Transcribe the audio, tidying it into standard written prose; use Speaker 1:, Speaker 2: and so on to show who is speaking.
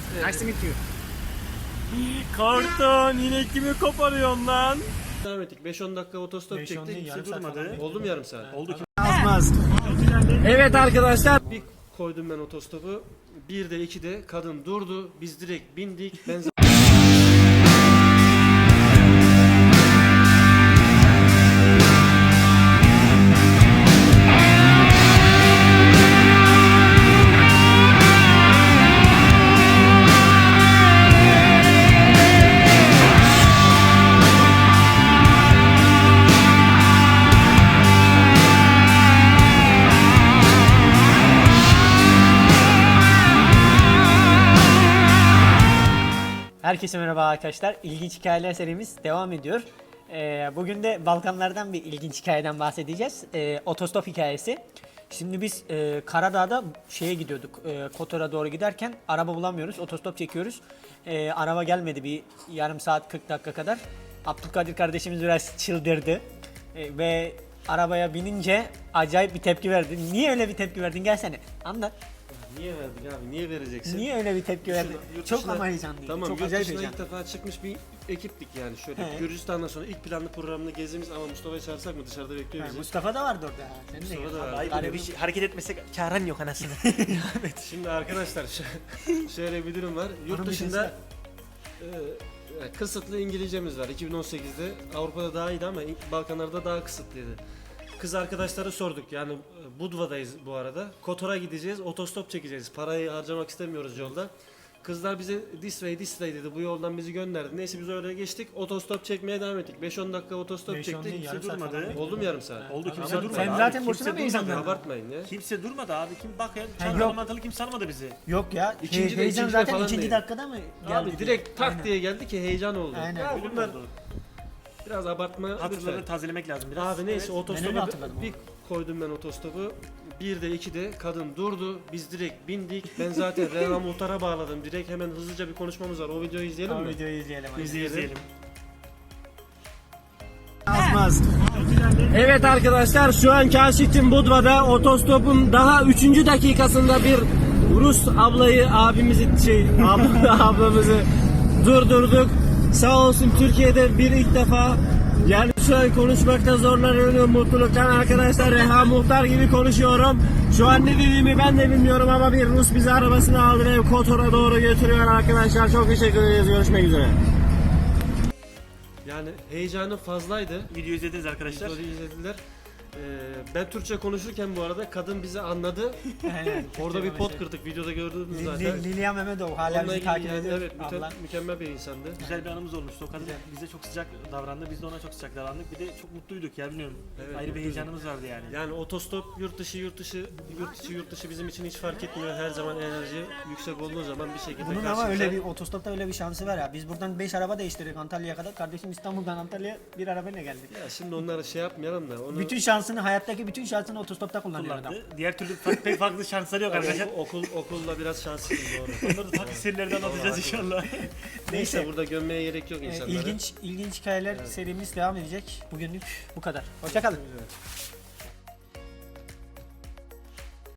Speaker 1: Nice to meet you.
Speaker 2: Karton yine kimi koparıyorsun lan?
Speaker 3: Devam ettik. 5-10 dakika otostop
Speaker 2: 5-10
Speaker 3: çektik.
Speaker 2: değil, yarım
Speaker 3: Kimse
Speaker 2: saat
Speaker 3: durmadı.
Speaker 2: falan.
Speaker 3: Oldu mu yarım saat?
Speaker 2: Oldu ki.
Speaker 1: Azmaz. Evet arkadaşlar.
Speaker 3: Bir koydum ben otostopu. 1'de 2'de kadın durdu. Biz direkt bindik. Ben
Speaker 4: Herkese merhaba arkadaşlar. İlginç hikayeler serimiz devam ediyor. Bugün de Balkanlardan bir ilginç hikayeden bahsedeceğiz. Otostop hikayesi. Şimdi biz Karadağ'da şeye gidiyorduk. Kotor'a doğru giderken araba bulamıyoruz. Otostop çekiyoruz. Araba gelmedi bir yarım saat 40 dakika kadar. Abdülkadir kardeşimiz biraz çıldırdı. Ve arabaya binince acayip bir tepki verdi. Niye öyle bir tepki verdin? Gelsene. Anlat.
Speaker 3: niye verdik abi? Niye vereceksin?
Speaker 4: Niye öyle bir tepki verdin?
Speaker 3: Yurt
Speaker 4: Çok
Speaker 3: dışına-
Speaker 4: ama heyecanlıydı.
Speaker 3: Tamam,
Speaker 4: Çok
Speaker 3: yurt
Speaker 4: acayip
Speaker 3: dışına
Speaker 4: heyecanlı.
Speaker 3: ilk defa çıkmış bir ekiptik yani şöyle.
Speaker 4: He.
Speaker 3: Gürcistan'dan sonra ilk planlı programını gezdiğimiz ama Mustafa'yı çağırsak mı dışarıda bekliyor bizi.
Speaker 4: Mustafa da vardı orada. Sen de
Speaker 3: Mustafa
Speaker 4: gel.
Speaker 3: da vardı.
Speaker 2: Ayıp
Speaker 4: Hani
Speaker 2: oluyor. Bir şey, hareket etmesek çağıran yok anasını.
Speaker 3: Şimdi arkadaşlar şöyle bir durum var. Yurt
Speaker 4: Hanım
Speaker 3: dışında kısıtlı İngilizcemiz var. 2018'de Avrupa'da daha iyiydi ama Balkanlarda daha kısıtlıydı. Kız arkadaşları sorduk yani Budva'dayız bu arada. Kotor'a gideceğiz, otostop çekeceğiz. Parayı harcamak istemiyoruz yolda. Kızlar bize this way dedi. Bu yoldan bizi gönderdi. Neyse biz oraya geçtik. Otostop çekmeye devam ettik. 5-10 dakika otostop
Speaker 2: 5-10
Speaker 3: çektik.
Speaker 2: değil, yarım saat
Speaker 3: durmadı.
Speaker 2: falan.
Speaker 3: Oldu mu yarım saat?
Speaker 2: Oldu kimse
Speaker 3: Abartmayın.
Speaker 2: durmadı.
Speaker 4: Sen
Speaker 2: abi.
Speaker 4: zaten
Speaker 2: Kimse
Speaker 4: boşuna mı
Speaker 2: durmadı.
Speaker 4: heyecanlandın?
Speaker 3: Abartmayın ya.
Speaker 2: Kimse durmadı abi. Kim bak ya.
Speaker 4: yok.
Speaker 2: Çantalamadılı kimse almadı bizi.
Speaker 4: Yok ya.
Speaker 3: İkinci de-
Speaker 4: Heyecan
Speaker 3: ikinci de
Speaker 4: zaten
Speaker 3: falan
Speaker 4: ikinci
Speaker 3: değil.
Speaker 4: dakikada mı geldi?
Speaker 3: Abi direkt tak
Speaker 4: Aynen.
Speaker 3: diye geldi ki heyecan oldu.
Speaker 4: Aynen.
Speaker 3: Ya
Speaker 2: Öyle mi
Speaker 3: bunlar
Speaker 2: oldu?
Speaker 3: biraz abartma
Speaker 2: Hatırları
Speaker 3: lütfen.
Speaker 2: tazelemek lazım biraz.
Speaker 3: Abi neyse
Speaker 2: Evet.
Speaker 4: Ben öyle
Speaker 3: otostopu
Speaker 4: hatırladım
Speaker 3: bir koydum ben otostopu. 1'de 2'de kadın durdu. Biz direkt bindik. Ben zaten Reha Muhtar'a bağladım. Direkt hemen hızlıca bir konuşmamız var. O videoyu izleyelim
Speaker 4: O
Speaker 3: mi?
Speaker 4: videoyu izleyelim. hadi.
Speaker 2: İzleyelim.
Speaker 1: Azmaz. Evet arkadaşlar şu an Kaşif'in Budva'da otostopun daha 3. dakikasında bir Rus ablamızı ablamızı durdurduk. Sağ olsun Türkiye'de bir ilk defa yani şu an konuşmakta zorlanıyorum mutluluktan arkadaşlar. Reha Muhtar gibi konuşuyorum. Şu an ne dediğimi ben de bilmiyorum ama bir Rus bizi arabasına aldı ve Kotor'a doğru götürüyor arkadaşlar. Çok teşekkür ederiz. Görüşmek üzere.
Speaker 3: Yani heyecanı fazlaydı.
Speaker 2: Video izlediniz arkadaşlar.
Speaker 3: Videoyu izlediler. Ben Türkçe konuşurken bu arada kadın bizi anladı.
Speaker 4: Aynen.
Speaker 3: Orada bir pot kırdık. Videoda gördünüz zaten.
Speaker 4: Lilya Mehmetov hala
Speaker 3: Onunla
Speaker 4: bizi
Speaker 3: ilgili
Speaker 4: takip
Speaker 3: yani
Speaker 4: ediyor.
Speaker 3: evet
Speaker 4: Abla.
Speaker 3: mükemmel bir insandı.
Speaker 2: Güzel bir anımız olmuştu. O kadın bize çok sıcak davrandı. Biz de ona çok sıcak davrandık. Bir de çok mutluyduk ya bilmiyorum.
Speaker 3: Evet,
Speaker 2: Ayrı bir
Speaker 3: mutluyduk.
Speaker 2: heyecanımız vardı yani.
Speaker 3: Yani otostop yurt dışı bizim için hiç fark etmiyor. Her zaman enerji yüksek olduğu zaman bir şekilde
Speaker 4: Bunun ama
Speaker 3: karşımıza-
Speaker 4: öyle bir otostopta öyle bir şansı var ya. Biz buradan 5 araba değiştirdik Antalya'ya kadar. Kardeşim İstanbul'dan Antalya'ya bir arabayla geldi.
Speaker 3: Ya şimdi onları şey yapmayalım da onu
Speaker 4: Bütün şansını hayattaki bütün şansını otostopta kullanıyor adam.
Speaker 2: Kullandı. Diğer türlü pek farklı şansları yok arkadaşlar.
Speaker 3: okulla biraz şanslıyız doğru.
Speaker 2: Onları da farklı serilerden alacağız inşallah.
Speaker 3: Neyse burada gömmeye gerek yok insanlara.
Speaker 4: İlginç hikayeler serimiz devam edecek. Bugünlük bu kadar. Hoşça kalın.
Speaker 3: Evet.